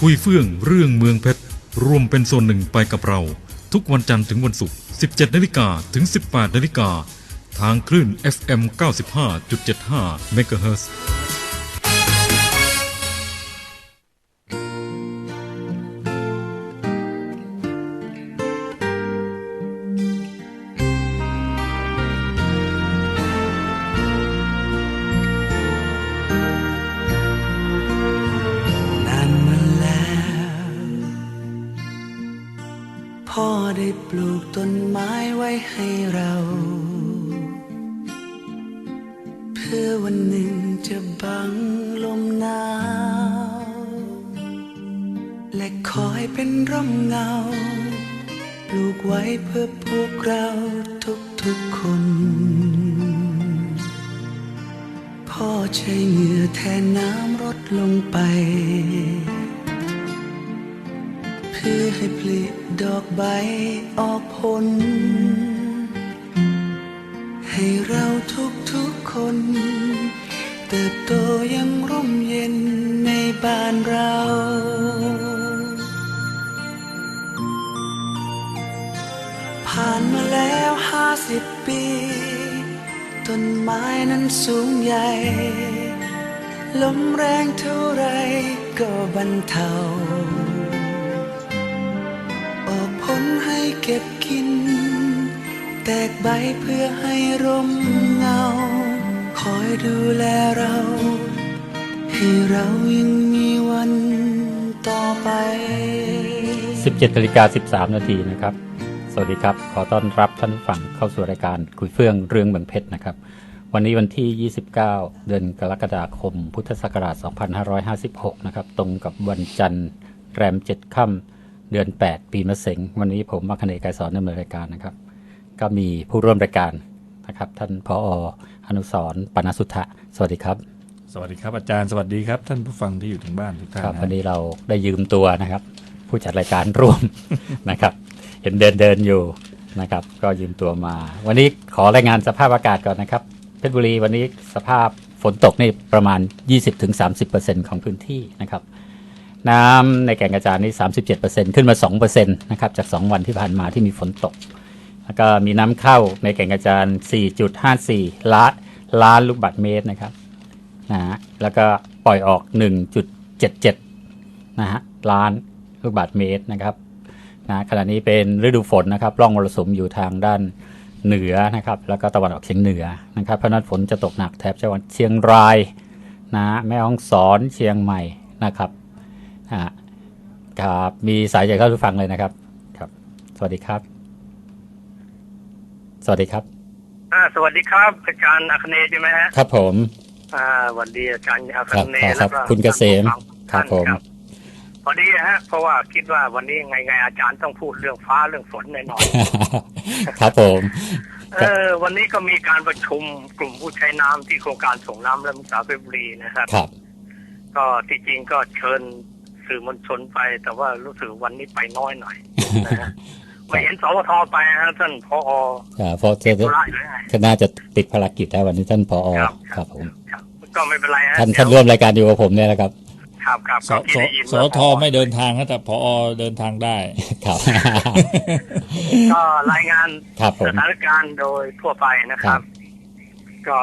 คุยเฟื่องเรื่องเมืองเพชรรวมเป็นส่วนหนึ่งไปกับเราทุกวันจันทร์ถึงวันศุกร์ 17 นาฬิกาถึง 18 นาฬิกาทางคลื่น FM 95.75 เมกะเฮิรตซ์พ่อได้ปลูกต้นไม้ไว้ให้เราเพื่อวันหนึ่งจะบังลมหนาวและคอยเป็นร่มเงาปลูกไว้เพื่อพวกเราทุกๆคนพ่อใช้เหงื่อแทนน้ำรดลงไปเพื่อให้ผลิดอกใบออกผลให้เราทุกคนเติบโตยังร่มเย็นในบ้านเราผ่านมาแล้ว50 ปีต้นไม้นั้นสูงใหญ่ลมแรงเท่าไรก็บรรเทาออกผลให้เก็บกินแตกใบเพื่อให้ร่มเงาคอยดูแลเราให้เรายังมีวันต่อไป 17:13 นาทีนะครับสวัสดีครับขอต้อนรับท่านผู้ฟังเข้าสู่รายการคุยเฟื่องเรื่องเมืองเพชรนะครับวันนี้วันที่29เดือนกรกฎาคมพุทธศักราช2556นะครับตรงกับวันจันทร์แรม7ค่ำเดือน8ปีมะเส็งวันนี้ผมมัคคเนย์ ไกรสอนดำเนินรายการนะครับก็มีผู้ร่วมรายการนะครับท่านผอ.อนุสรณ์ ปานสุทธะสวัสดีครับสวัสดีครับอาจารย์สวัสดีครับท่านผู้ฟังที่อยู่ทางบ้านทุกท่านครับวันนี้เราได้ยืมตัวนะครับผู้จัดรายการร่วม นะครับเห็นเดินอยู่นะครับก็ยืมตัวมาวันนี้ขอรายงานสภาพอากาศก่อนนะครับเพชรบุรีวันนี้สภาพฝนตกนี่ประมาณ 20-30% ของพื้นที่นะครับน้ำในแก่งกระจานนี่ 37% ขึ้นมา 2% นะครับจาก2วันที่ผ่านมาที่มีฝนตกแล้วก็มีน้ำเข้าในแก่งกระจาน 4.54 ล้านลูกบาศก์เมตรนะครับนะฮะแล้วก็ปล่อยออก 1.77 นะฮะล้านลูกบาศก์เมตรนะครับนะขณะนี้เป็นฤดูฝนนะครับร่องมรสุมอยู่ทางด้านเหนือนะครับแล้วก็ตะวันออกเฉียงเหนือนะครับเพราะนั้นฝนจะตกหนักแถบจังหวัดเชียงรายนะแม่ฮ่องสอนเชียงใหม่นะครับครับมีสายจากท่านผู้ฟังเลยนะครับครับสวัสดีครับสวัสดีครับสวัสดีครับอาจารย์อัคเนย์ใช่ไหมฮะครับผมสวัสดีอาจารย์อัคเนย์แล้วก็คุณเกษมครับผมพอดีฮะเพราะว่าคิดว่าวันนี้ไงอาจารย์ต้องพูดเรื่องฟ้าเรื่องฝนแน่นอนครับผมวันนี้ก็มีการประชุมกลุ่มผู้ใช้น้ำที่โครงการส่งน้ำและมุสาเพชรบุรีนะครับครับก็ที่จริงก็เชิญสื่อมวลชนไปแต่ว่ารู้สึกวันนี้ไปน้อยหน่อยนะฮะไม่เห็นสวทไปฮะท่านผอ. เพราะก็น่าจะติดภารกิจแล้ววันนี้ท่านผอ.ครับผมก็ไม่เป็นไรฮะท่านร่วมรายการอยู่กับผมเนี่ยนะครับครับสทไม่เดินทางแต่ผอ.เดินทางได้ครับก็รายงานสถานการณ์โดยทั่วไปนะครับก็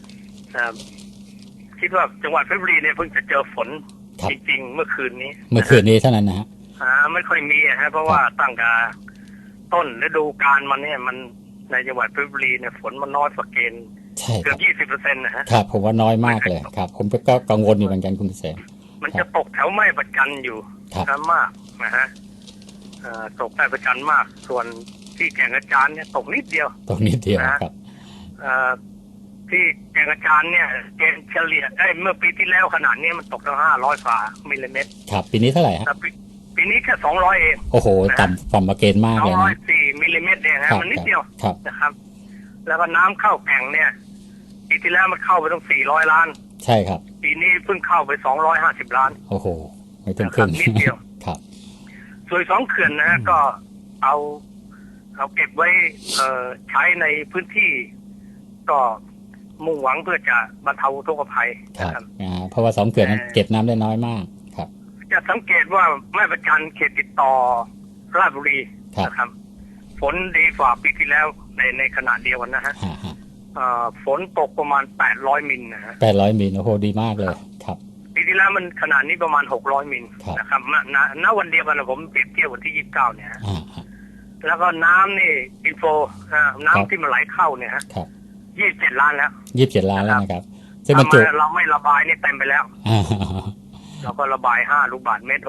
คิดว่าจังหวัดเพชรบุรีเนี่ยเพิ่งจะเจอฝนจริงๆเมื่อคืนนี้เท่านั้นนะฮะไม่ค่อยมีฮะเพราะว่าตั้งแต่ต้นฤดูกาลมันเนี่ยมันในจังหวัดเพชรบุรีเนี่ยฝนมันน้อยกว่าเกณฑ์เกือบ 20% นะฮะครับผมว่าน้อยมากเลยครับผมก็กังวลอยู่เหมือนกันคุณเกษมมันจะตกแถวแม่ประจันอยู่มากนะฮะตกแม่ประจันมากส่วนที่แก่งกระจานเนี่ยตกนิดเดียวครับที่แก่งกระจานเนี่ยเกณฑ์เฉลี่ยเมื่อปีที่แล้วขนาดนี้มันตกตั้ง500 กว่ามิลลิเมตรครับปีนี้เท่าไหร่ฮะปีนี้แค่200เองโอ้โหต่ำกว่าเกณฑ์มากเลยนะ 204มิลลิเมตรเองฮะมันนิดเดียวนะครับแล้วก็น้ำเข้าแก่งเนี่ยปีที่แล้วมันเข้าไปต้อง400 ล้านใช่ครับปีนี้เพิ่งเข้าไป250 ล้านโอ้โหไม่ถึงครึ่งนิดเดียวครับส่วน2เขื่อนนะฮะก็เอาเก็บไว้ใช้ในพื้นที่ก็มุ่งหวังเพื่อจะบรรเทาอุทกภัยครับเพราะว่า2เขื่อนนั้นเก็บน้ำได้น้อยมากครับจจะสังเกตว่าแม่ประจันเขตติดต่อราชบุรีครับนะครับ ฝนดีกว่าปีที่แล้วในขณะเดียวกันนะฮะฮะฝนตกประมาณ800มิลนะฮะ 800 มิลโอ้โหดีมากเลยครับปีที่แล้วมันขนาดนี้ประมาณ600มิลครับนะครับณวันเดียวกันนะผมเปรียบเทียบวันที่29เนี่ยฮะฮะแล้วก็น้ำนี่อินโฟน้ำที่มันไหลเข้าเนี่ยฮะครับ 27 ล้านแล้ว 27 ล้านแล้วนะครับซึ่งบรรจุเราไม่ระบายนี่เต็มไปแล้วอ่าเราก็ระบาย5ลูกบาศก์เมตร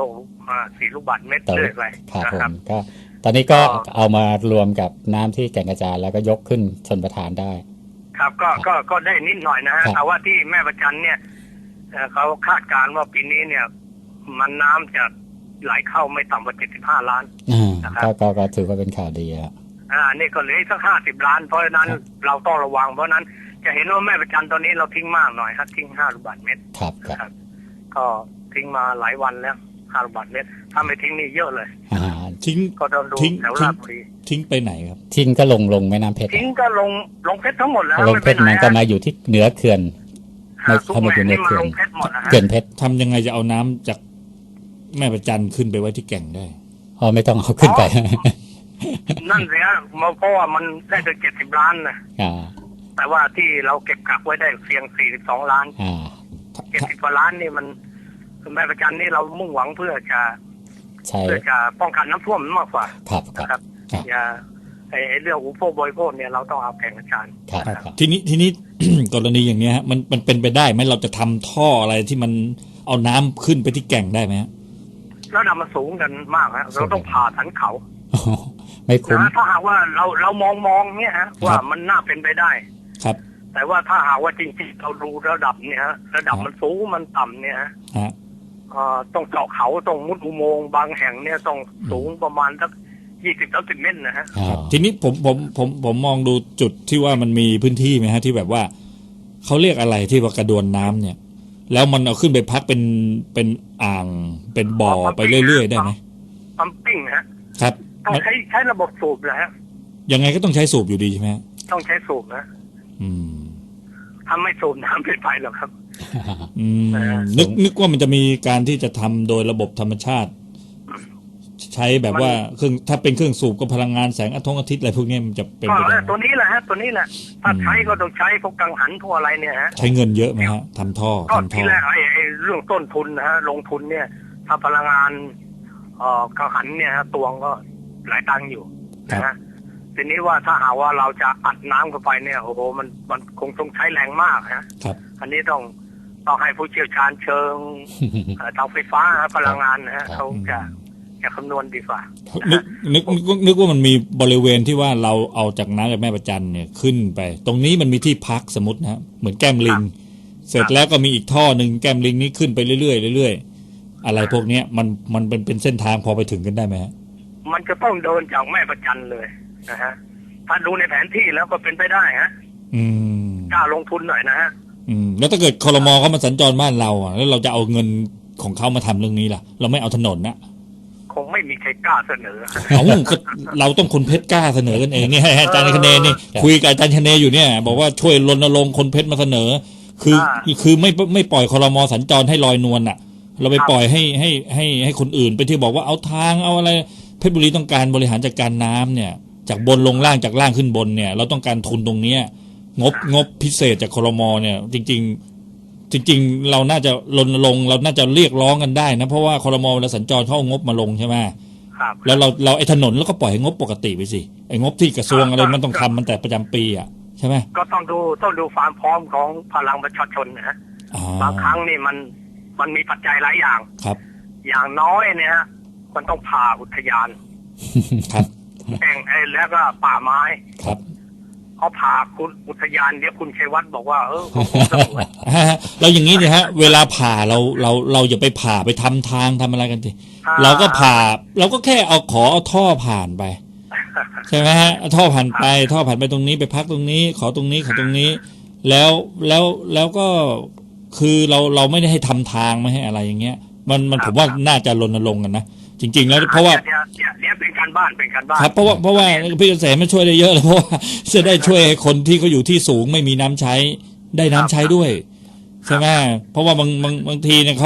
4ลูกบาศก์เมตรต่อเรื่อยไปครับนะผครับมก็ตอนนี้ก็เอามารวมกับน้ำที่แก่งกระจานแล้วก็ยกขึ้นชนประทานได้ครับก็ได้นิดหน่อยนะฮะครับแต่ว่าที่แม่ประจันเนี่ยเขาคาดการณ์ว่าปีนี้เนี่ย มันน้ำจะไหลเข้าไม่ต่ำกว่า75 ล้าน นะครับก็ถือว่าเป็นข่าวดีแล้วนี่ก็เหลืออีกสัก50 ล้าน เพราะฉะนั้นครับเราต้องระวังเพราะฉะนั้นจะเห็นว่าแม่ประจันตอนนี้เราทิ้งมากหน่อยครับทิ้ง5ลูกบาศก์เมตรครับคนะครับ รับก็ทิ้งมาหลายวันแล้ว5ลูกบาศก์เมตรถ้าไม่ทิ้งนี่เยอะเลยอ่าทิ้งก็ต้องดูทิ้งแถวราชบุรีทิ้งไปไหนครับทิ้งก็ลงแม่น้ำเพชรทิ้งก็ลงเพชรทั้งหมดแล้วลงเพชรมันก็มาอยู่ที่เหนือเขื่อนทุกเข้ามาอยู่แม่ในนี่มันเขื่อนลงเพชรหมดนะฮะเขื่อนเพชรทำยังไงจะเอาน้ำจากแม่ประจันขึ้นไปไว้ที่แก่งได้อ๋อไม่ต้องเอาขึ้นไปนั่นสิฮะเพราะว่ามันได้ถึง70 ล้านนะอ่าแต่ว่าที่เราเก็บกักไว้ได้เพียง42 ล้านอ่า 70 กว่าล้านนี่มันแม่ประจันนี่เรามุ่งหวังเพื่อจะใช่ป้องกันน้ำท่วมมากกว่าครับนะครับครับอย่าไอ้เรื่องอุปโภคบริโภคเนี่ยเราต้องเอาแข่งกับจานครับนะครับทีนี้ กรณีอย่างเนี้ยฮะมันเป็นไปได้ไหมเราจะทำท่ออะไรที่มันเอาน้ำขึ้นไปที่แก่งได้ไหมฮะแล้วนำมาสูงกันมากฮะเราต้องผ่าสันเขาอ๋อไม่คุ้มนะถ้าหากว่าเรามองเนี่ยฮะว่ามันน่าเป็นไปได้ครับแต่ว่าถ้าหากว่าจริงๆเราดูระดับเนี่ยฮะระดับมันสูงมันต่ำเนี่ยฮะฮะต้องเจาะเขาต้องมุดอุโมงค์บางแห่งเนี่ยต้องสูงประมาณสัก20-30 เมตรนะฮะอ๋อทีนี้ผมมองดูจุดที่ว่ามันมีพื้นที่ไหมฮะที่แบบว่าเขาเรียกอะไรที่ว่ากระดวนน้ำเนี่ย แล้วมันเอาขึ้นไปพักเป็นอ่างเป็นบ่อไปเรื่อยๆได้ไหมปั๊มปิ้งนะฮะครับต้องใช้ระบบสูบนะฮะยังไงก็ต้องใช้สูบอยู่ดีใช่ไหมฮะต้องใช้สูบนะอืมถ้าไม่สูบน้ำไม่ไปหรอกครับอืมเออนึกว่ามันจะมีการที่จะทำโดยระบบธรรมชาติ ใช้แบบว่าเครื่องถ้าเป็นเครื่องสูบก็พลังงานแสงอาทิตย์อะไรพวกนี้มันจะเป็นไปได้ไหมตัวนี้แหละฮะตัวนี้แหละถ้าใช้ก็ต้องใช้พวกกังหันพวกอะไรเนี่ยฮะใช้เงินเยอะไหมฮะทำท่อก็ทำท่ที่อแรกไอ้เรื่องต้นทุนนะฮะลงทุนเนี่ย ถ้าพลังงานกังหันเนี่ยฮะตวงก็หลายตังค์อยู่นะฮะทีนี้ว่าถ้าหากว่าเราจะอัดน้ำเข้าไปเนี่ยโอ้โหมันคงต้องใช้แรงมากฮะครับอันนี้ต้องให้ผู้เชี่ยวชาญเชิงทางไฟฟ้าพลังงานนะฮะเขาจะคำนวณดีกว่านึกว่ามันมีบริเวณที่ว่าเราเอาจากน้ำจากแม่ประจันเนี่ยขึ้นไป ตรงนี้มันมีที่พักสมมตินะฮะเหมือนแก้มลิง เสร็จแล้วก็มีอีกท่อหนึ่งแก้มลิงนี้ขึ้นไปเรื่อยๆเรื่อยๆอะไรพวกเนี้ยมันเป็นเส้นทางพอไปถึงกันได้ไหมฮะมันจะต้องเดินจากแม่ประจันเลยนะฮะถ้าดูในแผนที่แล้วก็เป็นไปได้ฮะอืมกล้าลงทุนหน่อยนะฮะแล้วถ้าเกิดครม.เขามาสัญจรบ้านเราอ่ะแล้วเราจะเอาเงินของเขามาทำเรื่องนี้ล่ะ เราไม่เอาถนนนะคงไม่มีใครกล้าเสนอเอาก็เราต้องคนเพชรกล้าเสนอกันเองนี่ให้อาจารย์คเนนี่คุยกับอาจารย์คเนอยู่เนี่ย บอกว่าช่วยรณรงค์คนเพชรมาเสนอ คือไม่ปล่อยครม.สัญจรให้ลอยนวลอ่ะ เราไปปล่อยให้คนอื่นไปที่บอกว่าเอาทางเอาอะไรเพชรบุรีต้องการบริหารจัดการน้ำเนี่ย จากบนลงล่างจากล่างขึ้นบนเนี่ย เราต้องการทุนตรงเนี้ยงบพิเศษจากครม.เนี่ย จริงเราน่าจะรณรงค์เราน่าจะเรียกร้องกันได้นะเพราะว่าครม.เวลาสัญจรเขาเอางบมาลงใช่ไหมครับแล้วเราไอ้ถนนแล้วก็ปล่อยให้งบปกติไปสิไอ้งบที่กระทรวงอะไรมันต้องทำมันแต่ประจำปีอ่ะใช่ไหมก็ต้องดูความพร้อมของพลังประชาชนนะฮะอ๋อบางครั้งนี่มันมีปัจจัยหลายอย่างครับอย่างน้อยเนี่ยฮะมันต้องผ่าอุทยานครับแอ่งแล้วก็ป่าไม้ครับเขาผ่าคุณอุทยานเดี๋ยวคุณชัยวัฒน์บอกว่าผมสงวนเราอย่างนี้เนี่ยฮะเวลาผ่าเราอย่าไปผ่าไปทำทางทำอะไรกันทีเราก็ผ่าเราก็แค่เอาท่อผ่านไปใช่ไหมฮะเอาท่อผ่านไปตรงนี้ไปพักตรงนี้ขอตรงนี้ขอตรงนี้ แล้วก็คือเราไม่ได้ให้ทำทางไม่ให้อะไรอย่างเงี้ยมันผมว่าน่าจะรณรงค์กันนะจริงๆแล้วเพราะว่าเดี๋ยวเป็นการบ้านครับเพราะว่าพี่เกษมไม่ช่วยได้เยอะเลยเพราะว่าจะได้ช่วยให้คนที่เขาอยู่ที่สูงไม่มีน้ำใช้ได้น้ำใช้ด้วยใช่ไหมเพราะว่าบางทีเนี่ยเขา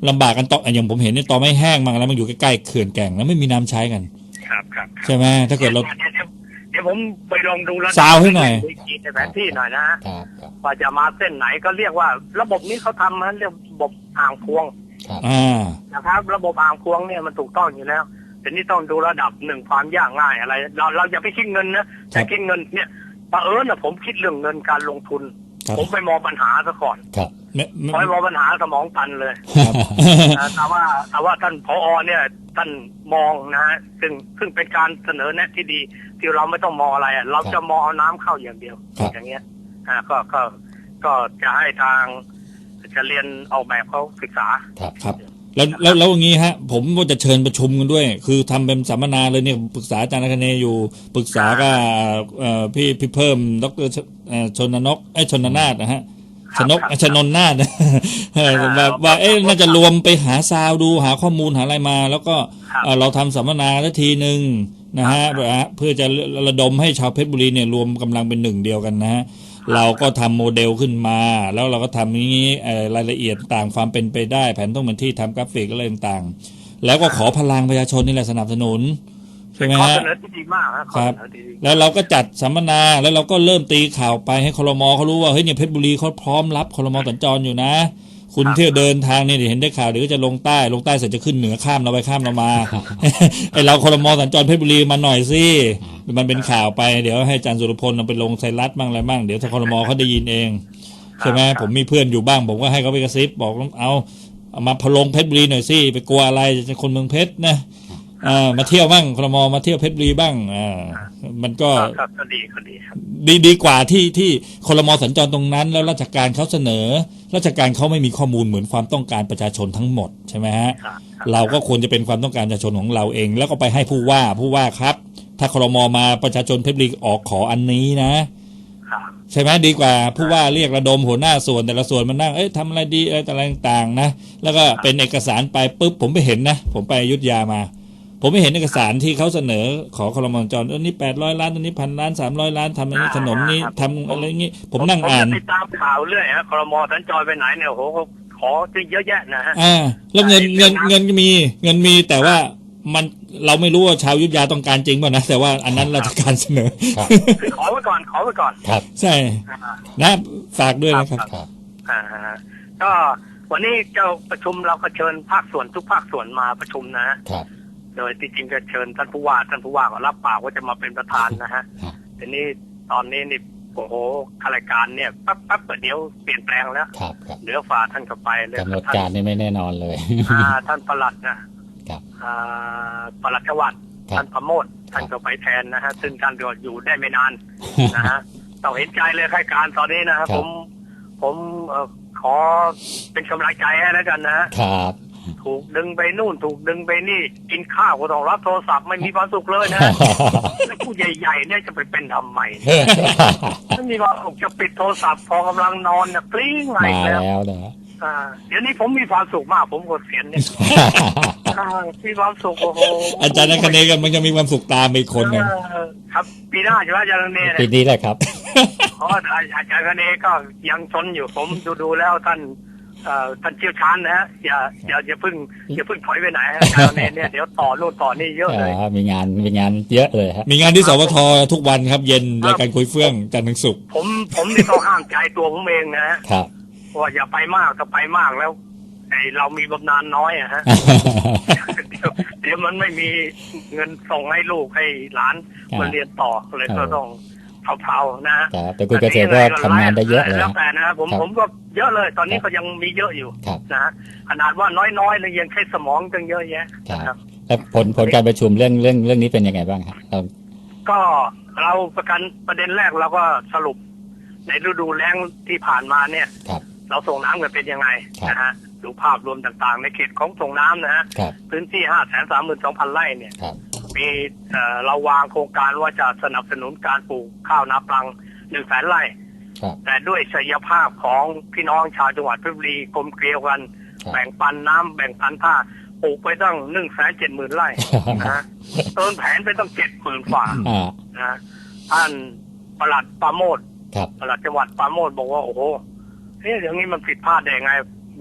ลำบากกันต่ออย่างผมเห็นเนี่ยต่อไม่แห้งมั่งแล้วมันอยู่ใกล้ๆเขื่อนแก่งแล้วไม่มีน้ำใช้กันครับครับใช่ไหมถ้าเกิดเราเดี๋ยวผมไปลองดูแล้วซาวให้หน่อยในแผนที่หน่อยนะฮะครับครับว่าจะมาเส้นไหนก็เรียกว่าระบบนี้เขาทำมันเรียกระบบอ่างพวงครับนะครับ ระบบอ่างพวงเนี่ยมันถูกต้องอยู่แล้วแต่นี่ต้องดูระดับหนึ่งความยากง่ายอะไรเราอย่าไปคิดเงินนะแต่คิดเงินเนี่ยบังเอิญนะผมคิดเรื่องเงินการลงทุนครับผมไปมองปัญหาซะก่อนครับพอไปมองปัญหาสมองตันเลยแต่ว่าท่านผอเนี่ยท่านมองนะฮะซึ่งเป็นการเสนอแนะที่ดีที่เราไม่ต้องมองอะไรอะเราจะมองเอาน้ำเข้าอย่างเดียวครับอย่างเงี้ยก็จะให้ทางจะเรียนออกแบบเขาศึกษาครับแล้วอย่างนี้ฮะผมว่าจะเชิญประชุมกันด้วย คือทำเป็นสัมมนาเลยเนี่ยปรึกษาอาจารย์คเนอยู่ปรึกษากับพี่เพิ่มดรชนนกชนนาถนะฮะชนนนาถแบบว่าน่าจะรวมไปหาซาวดูหาข้อมูลหาอะไรมา แล้วก็เราทำสัมมนาทีหนึ่งนะฮะเพื่อจะระดมให้ชาวเพชรบุรีเนี่ยรวมกำลังเป็นหนึ่งเดียวกันนะฮะเราก็ทำโมเดลขึ้นมาแล้วเราก็ทำนี้รายละเอียดต่างความเป็นไปได้แผนต้องเป็นที่ทำกราฟิกอะไรต่างๆแล้วก็ขอพลังประชาชนนี่แหละสนับสนุนใช่ไหมข้อฮะเสนอที่ดีมากครับครับแล้วเราก็จัดสัมมนาแล้วเราก็เริ่มตีข่าวไปให้ครม.เขารู้ว่าเฮ้ยเนี่ยเพชรบุรีเขาพร้อมรับครม.สัญจรอยู่นะคุณเที่ยวเดินทางเนี่ยเห็นได้ข่าวเดี๋ยวก็จะลงใต้เสร็จจะขึ้นเหนือข้ามเราไปข้ามเรามา ไอเราครม.สัญจรเพชรบุรีมาหน่อยสิมันเป็นข่าวไปเดี๋ยวให้อาจารย์สุรพลเอาไปลงไทยรัฐบ้างอะไรบ้างเดี๋ยวถ้าครม.เขาได้ยินเองใช่ไหมผมมีเพื่อนอยู่บ้างผมก็ให้เขาไปกระซิบบอกเอามาพลงเพชรบุรีหน่อยสิไปกลัวอะไรจะคนเมืองเพชรนะมาเที่ยวบ้างครม.มาเที่ยวเพชรบุรีบ้างมันก็ก็ดีครับดีกว่าที่ครม.สัญจรตรงนั้นแล้วราชการเขาเสนอราชการเขาไม่มีข้อมูลเหมือนความต้องการประชาชนทั้งหมดใช่ไหมฮะเราก็ควรจะเป็นความต้องการประชาชนของเราเองแล้วก็ไปให้ผู้ว่าครับถ้าครม.มาประชาชนเพชรบุรีออกขออันนี้นะใช่ไหมดีกว่าผู้ว่าเรียกระดมหัวหน้าส่วนแต่ละส่วนมานั่งทำอะไรดีอะไรต่างๆนะแล้วก็เป็นเอกสารไปปุ๊บผมไปเห็นนะผมไปอยุธยามาผมไม่เห็นเอกสารที่เขาเสนอขอครม.จรนี่800 ล้านอันนี้1,000 ล้าน300 ล้านทำอันนี้ถนนนี้ทำอะไรอย่างงี้ผมนั่งอ่านผมติดตามข่าวเรื่อยฮะครม.สัญจรไปไหนเนี่ยโหขอเยอะแยะนะฮะแล้วเงินมีแต่ว่ามันเราไม่รู้ว่าชาวอยุธยาต้องการจริงป่ะนะแต่ว่าอันนั้นราชการเสนอคือขอไว้ก่อนครับใช่นะฝากด้วยนะครับก็วันนี้เจ้าประชุมเราก็เชิญภาคส่วนทุกภาคส่วนมาประชุมนะฮะโดยที่จริงก็เชิญท่านผู้ว่าก็รับปากว่าจะมาเป็นประธานนะฮะทีนี้ตอนนี้นี่โอ้โหข้ารายการเนี่ยปั๊บเดี๋ยวเปลี่ยนแปลงแล้วเหลือฝ่าท่านเข้าไปเลยกำหนดการนี่ไม่แน่นอนเลยท่านปลัดนะปลัดจังหวัดท่านประโมทท่านก็ไปแทนนะฮะซึ่งท่านก็อยู่ได้ไม่นานนะฮะต้องเห็นใจเลยข้ารายการตอนนี้นะครับผมขอเป็นกำลังใจให้แล้วกันนะครับถูกดึงไปนู่นถูกดึงไปนี่กินข้าวก็ต้องรับโทรศัพท์ไม่มีความสุขเลยนะแล้วผู้ใหญ่ๆเนี่ยจะไปเป็นทำไมไม่มีความสุขจะปิดโทรศัพท์พอกำลังนอนนะกลิ้งไหลแล้วนะเดี๋ยวนี้ผมมีความสุขมากผมกดเสียนเนี่ยมีความสุขโอ้โหอาจารย์นักเนกันมันจะมีความสุขตามไปคนนึงครับปีหน้าใช่ไหมอาจารย์นักเนยปีนี้แหละครับเพราะอาจารย์นักเนยก็ยังชนอยู่ผมดูแล้วท่านเชี่ยวชาญนะฮะอย่าเพิ่งถอยไปไหนอาจารย์เนี่ยเดี๋ยวต่อโน่นต่อนี่เยอะเลยมีงานเยอะเลยมีงานที่สวททุกวันครับเย็นรายการคุยเฟื่องจันทร์ถึงศุกร์ผมนี่ต้องห้ามใจตัวผมเองนะครับว่าอย่าไปมากถ้าไปมากแล้วเรามีบำนาญน้อยอะฮะเดี๋ยวมันไม่มีเงินส่งให้ลูกให้หลานมาเรียนต่อเลยก็ต้องเผาๆนะแต่คุณเกษตรก็ทำงานได้เยอะเลยแล้วแต่นะผมก็เยอะเลยตอนนี้ก็ยังมีเยอะอยู่นะขนาดว่าน้อยๆเลยยังใช้สมองตั้งเยอะแยะครับแล้วผลการประชุมเรื่องนี้เป็นยังไงบ้างครับก็เราประเด็นแรกเราก็สรุปในฤดูแล้งที่ผ่านมาเนี่ยเราส่งน้ำกันเป็นยังไงนะฮะดูภาพรวมต่างๆในเขตของส่งน้ำนะฮะพื้นที่ 532,000 ไร่เนี่ยมีเราวางโครงการว่าจะสนับสนุนการปลูกข้าวนาปลัง 100,000 ไร่แต่ด้วยศักยภาพของพี่น้องชาวจังหวัดเพชรบุรีกลมเกลียวกันแบ่งปันน้ำแบ่งปันท่าปลูกไปตั้ง 170,000 ไร่นะฮะเติมแผนไปตั้ง 70,000 ฝ่านะท่านปลัดปราโมทปลัดจังหวัดปราโมทบอกว่าโอ้โหอย่างนี้มันผิดพลาดได้ไง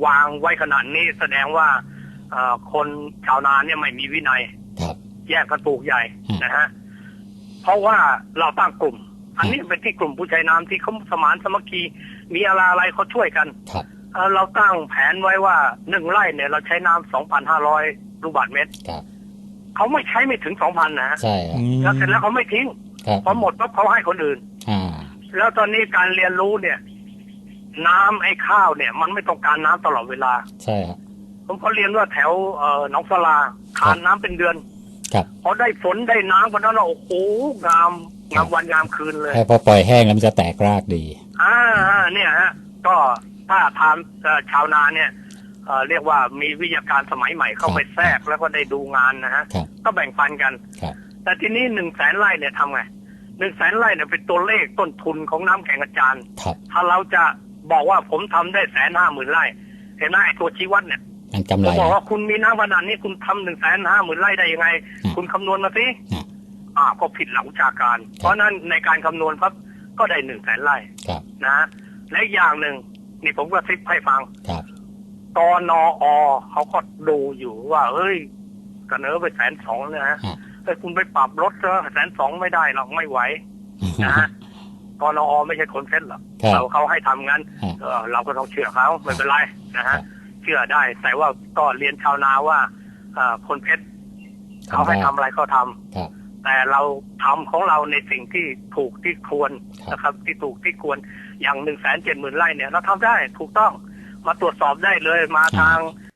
วางไว้ขนาดนี้แสดงว่าคนชาวนาเนี่ยไม่มีวินัยครับแยกกันปลูกใหญ่นะฮะเพราะว่าเราตั้งกลุ่ม อันนี้เป็นที่กลุ่มผู้ใช้น้ำที่เขาสมานสมัคคีมีอะไรเขาช่วยกันครับเราตั้งแผนไว้ว่า1 ไร่เนี่ยเราใช้น้ำ 2,500 ลูกบาศก์เมตรครับเขาไม่ใช้ไม่ถึง 2,000 นะฮะใช่ครับแล้วเสร็จแล้วเขาไม่ทิ้งครับพอหมดปั๊บเขาให้คนอื่นอ่าแล้วตอนนี้การเรียนรู้เนี่ย น้ำไอ้ข้าวเนี่ย มันไม่ต้องการน้ำตลอดเวลาใช่ครับผมก็เรียนว่าแถวหนองสลาทานน้ำเป็นเดือนครับพอได้ฝนได้น้ำกันนั้นโอ้โหงามวันงามคืนเลยให้พอปล่อยแห้งแล้วมันจะแตกรากดีเนี่ยฮะก็ถ้าทางชาวนาเนี่ยเรียกว่ามีวิทยาการสมัยใหม่เข้าไปแทรกแล้วก็ได้ดูงานนะฮะครับก็แบ่งปันกันครับแต่ทีนี้100,000 ไร่เนี่ยทำไง100,000 ไร่เนี่ยเป็นตัวเลขต้นทุนของน้ำแข็งอาจารย์ครับถ้าเราจะบอกว่าผมทำได้150,000 ไร่เห็นไหมไอ้ตัวชี้วัดเนี่ยมันกำผไรมบอกว่าคุณมีน้ำขนาดนี้คุณทำ150,000 ไร่ได้ยังไง คุณคำนวณมาสิ ก็ผิดหลักวิชาการ เพราะนั้นในการคำนวณครับก็ได้100,000 ไร่ครับนะและอีกอย่างหนึ่งนี่ผมก็ซิปให้ฟังครับกนอเขาก็ดูอยู่ว่าเฮ้ยกระเนอไป120,000เนี่ยฮะแต่คุณไปปรับลด120,000ไม่ได้หรอกไม่ไหวนะฮะกนอไม่ใช่คนเซ็ตหรอกครับเขาให้ทำงั้นเราก็ต้องเชื่อเขาไม่เป็นไรนะฮะเชื่อได้ แต่ว่าก็เรียนชาวนาว่าคนเพชรเขาให้ทำอะไรก็ทำครับแต่เราทำของเราในสิ่งที่ถูกที่ควรนะครับที่ถูกที่ควรอย่าง170,000 ไร่เนี่ยเราทำได้ถูกต้องมาตรวจสอบได้เลยมาทาง